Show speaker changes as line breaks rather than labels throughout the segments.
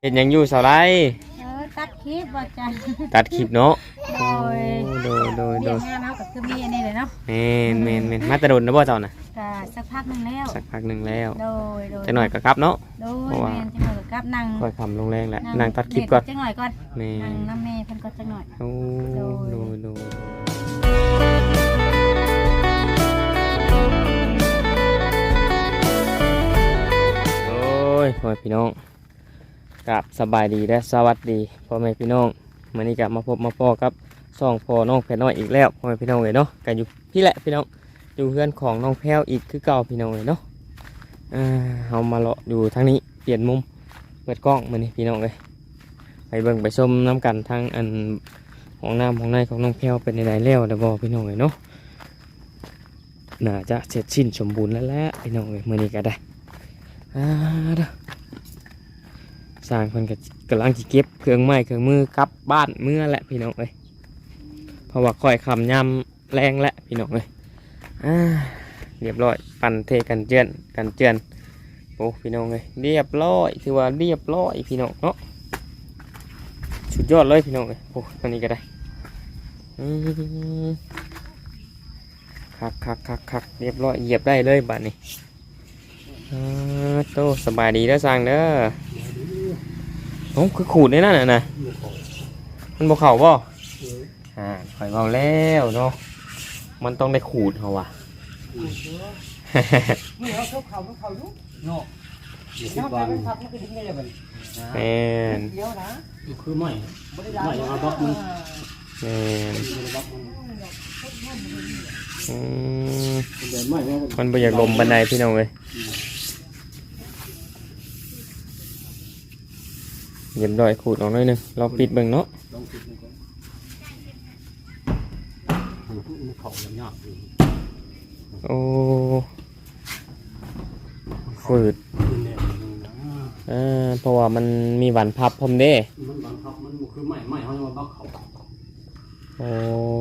เห็นยังอยู่สาวไร
ตัดคลิปว่าจ้ะ
ตัดคลิปเนาะ
โดยเรียกงานเนาะก็คือมีอันนี้เลยเนาะ
เมนมาตะดนนะบ่เจ้าน่ะ
ก็สักพักนึงแล้ว
จังหน่อยก็กลับเนาะ
โดยแม่นจังหน่อยก็กลับนั่ง
ค่อยคำลงแรงแหละนั่งตัดคลิปก่อน
จังหน่อยก่อนนั่งน้ำแม่เพิ่นก็จังหน่อย
โอ้ยพ่อพี่น้องกับสบายดีและสวัสดีพ่อแม่พี่น้องวันนี้กลับมาพบมาพ่อครับซ่องพ่อน้องแพรน้อยอีกแล้วพ่อแม่พี่น้องเลยเนาะกันอยู่พี่แหละพี่น้องอยู่เพื่อนของน้องแพรอีกคือเก่าพี่น้องเลยเนาะเอามาเลาะอยู่ทางนี้เปลี่ยนมุมเปิดกล้องมานี่พี่น้องเลยไปเบิ่งไปชมน้ำกันทางอันของน้ำของในของน้องแพรเป็นในแล้วเดี๋ยวบอกพี่น้องเลยเนาะน่าจะเสร็จสิ้นสมบูรณ์แล้วแหละพี่น้องเลยมื่อนี้ก็ได้เด้อสร้างเพิ่นกำลังจะเก็บเครื่องไม้เครื่องมือกลับบ้านเมื่อแหละพี่น้องเอ้ยเพราะว่าค่อยคำยำแรงแหละพี่น้องเอ้ยเรียบร้อยปั่นเทกันเจือนโอ้พี่น้องเอ้ยเรียบร้อยถือว่าเรียบร้อยพี่น้องเนาะสุดยอดเลยพี่น้องเอ้ยโอ้ตอนนี้ก็ได้คักเรียบร้อยเหยียบได้เลยบ้านนี้โตสบายดีแล้วสร้างเด้อโอ้คือขูดได้นั่นน่ะมันบ่เข่าบ่ข่อยเมาแล้วเนาะมันต้องได้ขูดเขาว่ะ
นี่เขาเขาอยู่เนาะน้ำตาลพับมันก็ดิ้งได้เลยมัน
แม่น
เดี๋ยวนะ
คือไม่เอาบล็อกมัน
แม่นมันบ่อยากลมบันไดพี่น้องเลยเย็บดอยขูดออกหน่อยนึงลองปิดเบิ่งเนาะโอ้ฝืดเพราะว่ามันมีหวานพับพรมเด้
มันหวานพับมันคือไม่เขาจะมาบล็อกเขา
โอ้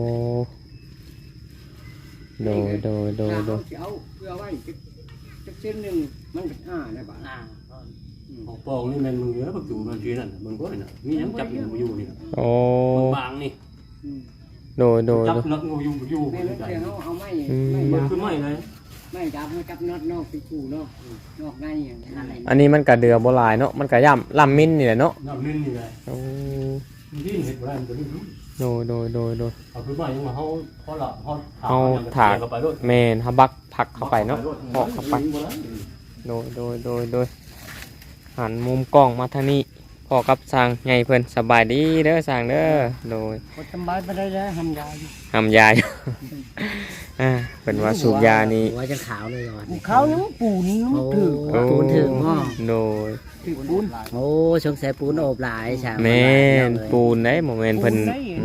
โด
เอาเพื่อไว้จะเส้นหนึ่งมันเป็นได้บ้าง
ของปองนี่มันมึงเยอะปัจจุบันทีนั่นมึงก็เห็นนะมีน้ำจับอยู่นี่
โอ้
บางนี่
โด
จับน็อตอยู่
ไม่เดี๋ยวเอาไม่
คือไม่เลย
ไม่จับน็อตนอกติดขู่นอกในอย่างนั้น
อันนี้มันกระเดือโบราณเนาะมันกระย่ำลำมิ้นนี่แหละเนาะ
ลำมิ้นนี่แหละดิ้นเห็ดโบราณตัวนี้
โด
เอาคือไม่ยังมาเขา
ถากเมนเขาบักผักเข้าไปเนาะพอกเข้าไปโดยหันมุมกล้องมาทางนี้พอกับสร้างไงเพื่อนสบายดีเด้อสร้างเด้อโดย
สบายไปได้แล้วทำย
าอยู่เป็นว่าสูบยานี่
ว่าจะขาวเลยก่อน
ขาวน้ำปูนถือ
ปูนถึงห้อง
โดย
ปูน
โอ้ชงใส่ปูนโอบหลายใช่
ไหมปูนได้โมเมนต์เพิ่น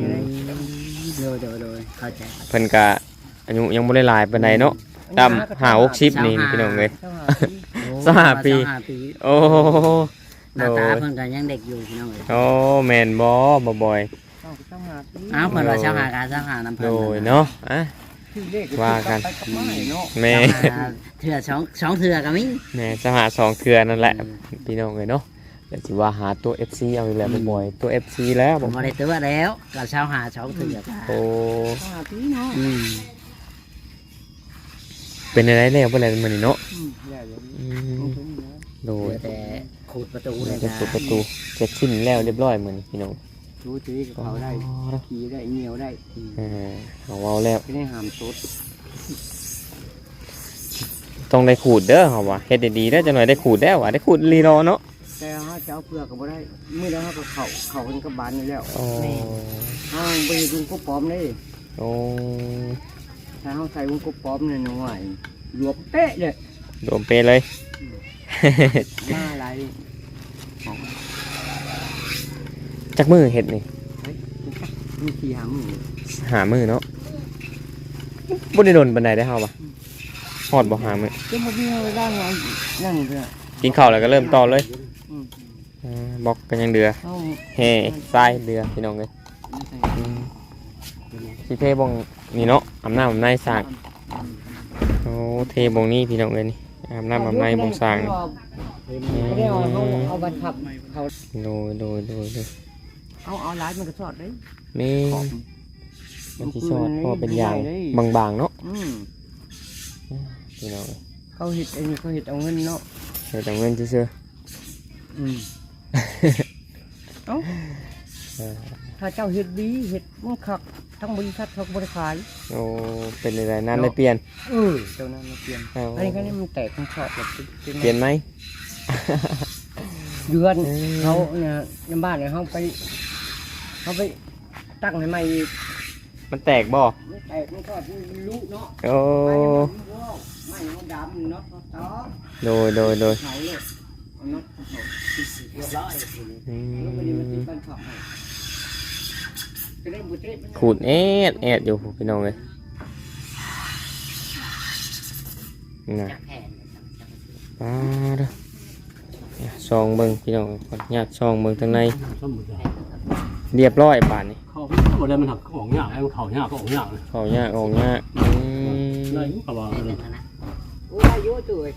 โดยเข้าใจ
เพิ่นกะอายุยังไม่ได้หลายปานใดเนาะดำ50นี่พี่น้องเลย25 ปีโอ้
หน้าตาเพิ่นก็ยังเด็กอยู่พี่น้องเลย
โอ้แมนบ่บ่อย
อ้าวเพิ่นว่า25น้ำเพิ่น
โดยเนาะว่ากันแม่
เถื่อสองเถื่อก็มี
แม่จะหา2เถื่อนั่นแหละพี่น้องเลยเนาะแต่สิว่าหาตัว FC เอาอีกแล้วบ่อยตัว FC แล้ว
ผมบ่ได้ตัวแล้วก็2เถื่อ
โอ้
เนาะ
เป็นอะไรแล้วบ่แล้วมื้อนี้เนาะโดย
แต่ขูดประตูเลยนะ
ขูดประตูเสร็จสิ้นแล้วเรียบร้อยมื้อนี้พี่น้อง
รู้ตีกับเขาได้ขี่ได้เหนียวได้
เอาแล้ว
ไม่ได้หามสด
ต้องได้ขูดเด้อเฮาว่าเฮ็ดดีๆเด้อจังหน่อยได้ขูดแล้วได้ขูดลีรอเนาะ
แต่เฮาจะเอาเปลือกก็บ่ได้มื้อแล้วเฮาก็เข้าเป็นกระบาลนี่แล้ว
นี่
เฮาไปดูกบปอมเลย
โอ้
ถ้าเฮาใส่วงกบปอมนี่หน่อยรวมเป๊ะเลย
รวมเป๊ะเลย
มาอะไร
จักมือเห็ดนี่
มีกี่
หามือเนาะบ่ได้โดนบันไดได้เฮาป่ะฮอดบ่หามือ
ก็บ่มีเวลานั่งเด้อ
กินข้าวแล้วก็เริ่มต่อเลยบล็อกกันยังเดือเฮ้ทรายเดือพี่น้องเอ้ยสิเทบ่งนี่เนาะอำนาจในสร้างโอ้เทบ่งนี้พี่น้องเอ้ยนี่อาบน้ำอาบในบงสร้าง
ไม่ได้เอาบัตรขับเขา
โดย
เอาร้านมันก็สอดเลย
แม่มันสิชอดเพอเป็นอย่างบางๆเนาะพี่น้อง
เขาเห็ดอันนี้เขาเห็ดเอาเงินเนาะ
เดี๋ยวแต่เงินซื่อ
เอ้าถ้าเจ้าเห็ดดีเห็ดมันขับทั้งบริษัทเขาบริขาย
โอ้เป็นอะไรนั้นได้เปลี่ยน
เจ้านั้นมาเปลี่ยน
เอา
อันนี้ก็นี่มันแตกมันชอบแบบ
เปลี่ยนไหม
เดือนเขาเนี่ยในบ้านเนี่ยเขาไปตั้งให้ใหม่อีก
มันแตกบ่
มันแตกมันก็รู้เนาะ
โอ้
ไม่เขาดำเนาะต่อ
โดย
เขาเลยเอาเนาะ
อื
แล้ววันนี้มัน
ม
ติดบ้านเขาให้ก็ได้บุตรมัน
ขูดแอดอยู่พี่น้องเลยนะ
จักแผ่น
เด้อซองเบิ่งพี่น้องขออนุญาตซองเบิ่งทางใน
สมมุติว่า
เรียบร้อยป่านนี้
เขาบ่ได้มันหักของยากไอ้เขายากก็ของยากเลย
เขายากออกยาก
ได้ก็ว่าเลย
นะ
โอ้ยอายุตัวเอง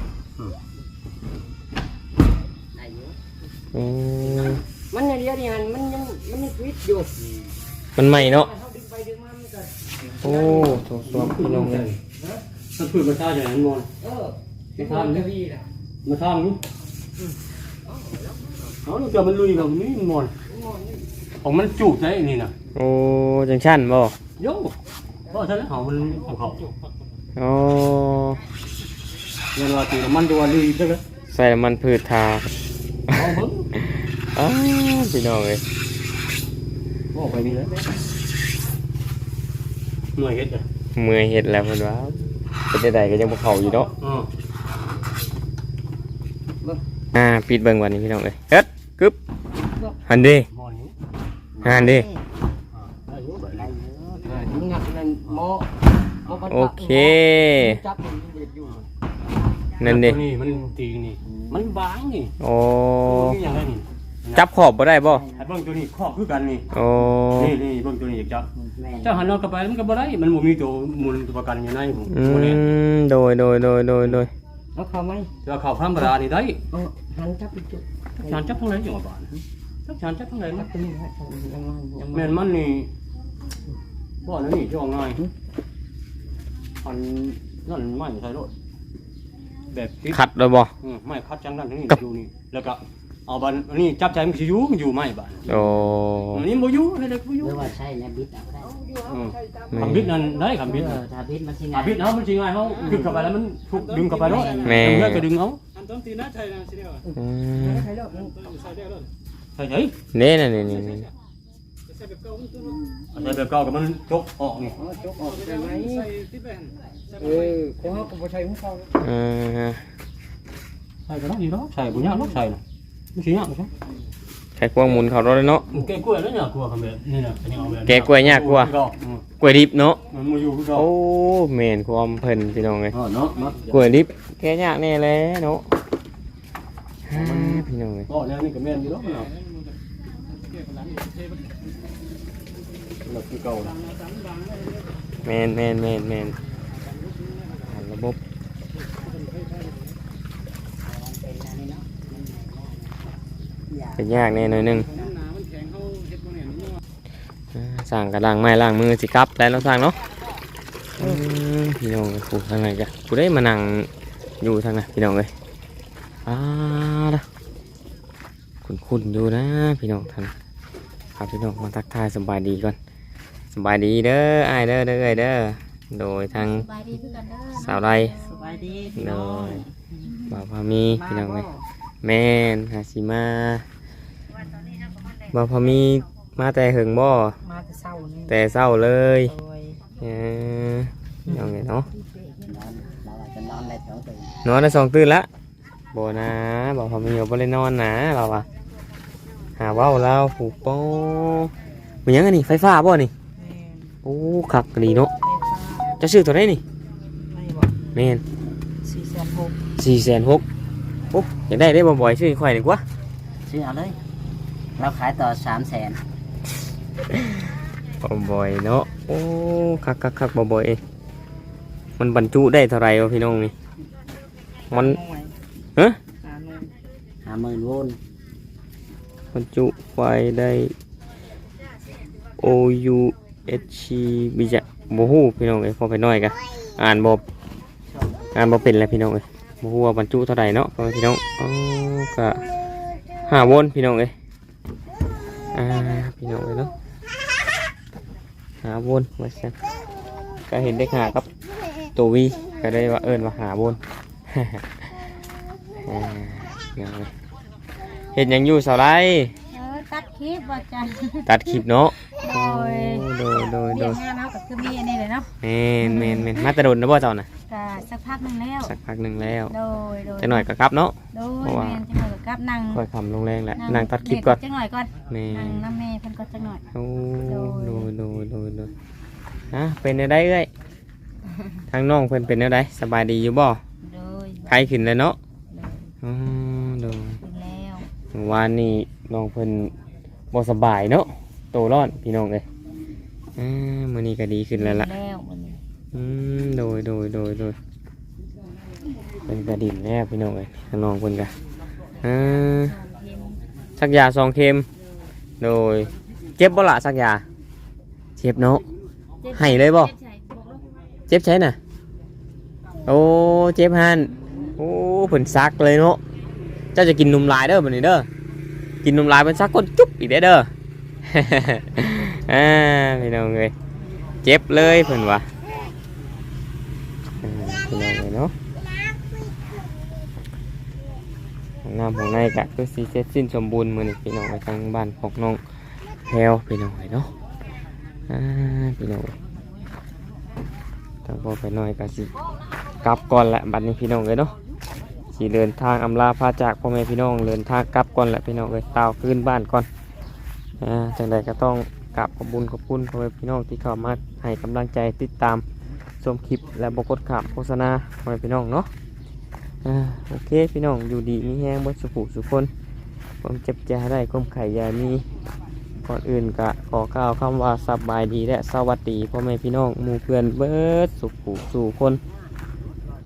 อายุ
อืม
มันเนี่ยเดียวนี่มันยังฟิตอยู่
มันใหม่เนาะ
เขาดึงไปดึงมามันก็
โอ้ถูกต้องพี่น้องเลย
ถ้าพูดมาชาอย่างนั้นมอน
ไม่ทำจะดีแหละ
มาทำนี่เอาเกิดมันลุยแบบนี้มอนของมันจุกใจนี่นะ
โอ้จังชั้นบ่
โย่เพราะฉะนั้นเขามันของเขา
โอ้
เงินว่าตีมันตัวลุยได้เลย
ใส่น้ำมันพืชทา
เอาเบิ้ง
อ้าวพี่น้องเลย
บอกไปนี่เลยหน่วยเฮ็ดเลย
เมื่อยเห็ดแล้วเพิ่นว่าเป็นได้ก็ยังบ่เข้าอยู่เนาะปิดเบิ่งวันนี้พี่น้องเลยเฮ็ดกึบหันดิ
มอนนี้
หันดิ
ได้อยู่แบบนี้
ถึงหนักนั่นหมอ
โอเค
จับมันเด็ดอยู่
นั่นดิ
นี่มันตีนี่มันบางนี่
โอ้
นี่อย่างไรนี่
จับขอบบ่ได้บ่
ไอ้เบิ้งตัวนี้ครอบคือกันนี่
โอ้
นี่เบิ้งตัวนี้อยากจับ
แม่
เจ้าหันเรากลับไปมันก็บ่ได้มันบ่มีตัวมูลตัวประกันอยู่ในผม
อื
บ่ได้
มโดย
แล้วเขาไหม
แต่ว่าเขาธรรมดานี่ได้
หันจับไปจุด
ชานจับทั้งไหนอยู่บ้านชานจับทั้งไหน
จั
นะ
บตรงนี้ฮะยังไงยัง
แม่นมันนี่บ่นั่นนี่จ่อง่ายอันนั่นไม่ใช่รถแบบคิด
ขัดแล้วบ่
ไม่คัดจังนั่นนี่อยู่นี่แล้วก็เอาบันนี่จับใจมันสิอยู่ไม่บ้าน
โอ้
อันนี้บ่อยู่ให้เด็กบ่อ
ห
ยู่
รือว่าใช่นะบิดเอาได้
คำบิดนั่นได้คำบิด
ถ้าบิดมันสิ
คำบิดเฮามันสิง่ายเฮาดึงเข้าไปแล้วมันถูกดึงเข้าไปเนาะ
แม่
แล้วก็ดึงเอา
อืม
ใครเลิกนั่น
ใช่ใช่
เน่น่ะนี่
ใส่แบบเก่ากับมันจกออกนี่
จกออกใช่ไหมเขาเขาก็ใช้ของเขา
อ่า
ใช่ก็ได้อยู่เนาะใช่บ่ยากเนาะใช่น่ะมันสิยากบ่ใช่
ใช้ควงหมุนเขารถเลยเนาะ
แกกล้วยแล้วเนี่ยกลัวคำแบบนี่น่ะอันนี้เอาแบบ
แกะกล้วยยากกว่า กล้วยดิบเนาะ
มันมาอยู่คือเก่า
โอ้แม่นความเพิ่นพี่น้องเอ้ย
เนาะเนาะ
กล้วยดิบแกะยากแน่แหละเนาะฮ่าพี่น้องเอ้ย
ก็แล้วนี่ก็แม่นอยู่เนาะเนาะแล้วคือเก่า
แม่นหันระบบเป็นยากแน่หน่อยหนึงสั่งกระดังไม้ล้างมือสิกลับแล้วเราสั่งเนาะพี่น้องกูทางไหนจ้ะกูได้มานั่งอยู่ทางไหนพี่น้องเลยละคุ้นอยู่นะพี่น้องท่านครับพี่น้องมาทักทายสบายดีก่อนสบายดีเด้อไอายเด้อเด้อโดยทาง
สบายดีคือกันเด้อ
สาวไร
สบายดี
โดยบ่าวพามีพี่น้องเลยแม่นหาสิมาบ่าวพามีมาแต่หึงบ่
มาแต่เศร้านี่
แต่เศร้าเลย
โอ้ย
เอาไงเนาะ
เราจะนอนได้2ตื่น
นอนได้2 ตื่นละบ่นะบ่าวพามีบ่ได้นอนนะเราอะหาเว้าเราผูกโป้มันยังไงนี่ไฟฟ้าบ่นี่โอ้คักดีเนาะจะซื้อตัวไหนนี่
ไม่บอก
แม่น
460
460,000โอ้อยากได้บ่อยๆซื้อข่อยดีกว่า
ซื้อเอาเลยเราขายต่อ300,000
บ่อยเนาะโอ้คักบ่อยเองมันบรรจุได้เท่าไหร่วะพี่น้องนี่มัน
หน่วย
ฮะ
หน่วย
50,000 โวลต์
บรรจุไฟได้ OUHC บิจะบ่ฮู้พี่น้องเอ้ยพอไปน้อยกะอ่านบ่เป็นแล้วพี่น้องเอ้ยบ่ฮู้ว่าบรรจุเท่าใดเนาะพ่อพี่น้องอ๋อก็5 โวลต์พี่น้องเอ้ยพี่น้องเอ้ยเนาะ5 โวลต์ว่าซั่นก็เห็นเลข5กับตัววีก็ได้ว่าเอิ้นว่า5 โวลต์ พี่น้องเอ้ยเฮ็ดหยังอยู่เสาไร
ตัดคลิปว่าจัน
ตัดคลิปเนาะ
โดย
โดย
เรียกงานเขาก็คือมีอันนี้เลยเนาะ
แม่นมาแตะโดนนะบ่เจ้าน่ะ
ก็สักพักหนึงแล้ว
สักพักหนึงแล้ว
โดย
จะหน่อยก็กลับเนาะ
โดยแม่นจังหน่อยก็กลับนั่ง
ค่อยคำลงแรงแหละนั่งตัดคลิปก่อน
จังหน่อยก่อน
แม่
นั่งน้ำแม่เพิ่นก็จังหน่อย
โอ้โดยเป็นแนวใดเอ้ยทางน้องเพิ่นเป็นแนวใดสบายดีอยู่บ่
โดย
ไข้ขึ้นแล้วเนาะ
โดย
โดย
กินแล้ว
เมื่อวานนี้น้องเพิ่นบ่สบายเนาะโตร้อนพี่น้องเอ้ยมื้อนี้ก็ดีขึ้นแล้วล่ะ
แล้ววันนี้
โดยเป็นกระดิ่งแน่พี่น้องเอ้ยทางน้องเพิ่นก็สักยา2 เข็มโดยเจ็บบ่ล่ะสักยาเจ็บเนาะให้เลยบ่เจ็บใช่น่ะโอ้เจ็บหันโอ้เพิ่นซักเลยเนาะเจ้าจะกินนมลายเด้อบัดนี้เด้อกินนมลายเพิ่นซักก้นจุ๊บอีกเด้อ พี่น้องเอ้ยเจ็บเลยเพิ่นว่าพี่น้องเอ้ยเนาะห้องน้ำของในก็คือสิเสร็จสิ้นสมบูรณ์มื้อนี้พี่น้องทางบ้านของน้องแพรวพี่น้องเอ้ยเนาะพี่น้องถ้าพอไปหน่อยก็สิกลับก่อนแหละบัดนี้พี่น้องเอ้ยเนาะสิเดินทางอำลาพาจากพ่อแม่พี่น้องเดินทางกลับก่อนแหละพี่น้องเอ้ยตาวคืนบ้านก่อนจังใดก็ต้องกราบขอบคุณพ่อแม่พี่น้องที่เข้ามาให้กำลังใจติดตามชมคลิปและบกดข่าวโฆษณาพ่อแม่พี่น้องเนาะโอเคพี่น้องอยู่ดีมีแห้งบนสุขสุขคนความเจ็บใจได้ความไข่ยามีก่อนอื่นก็ขอกล่าวคำว่าสบายดีและสวัสดีพ่อแม่พี่น้องหมู่เพื่อนเบิดสุขสู่คน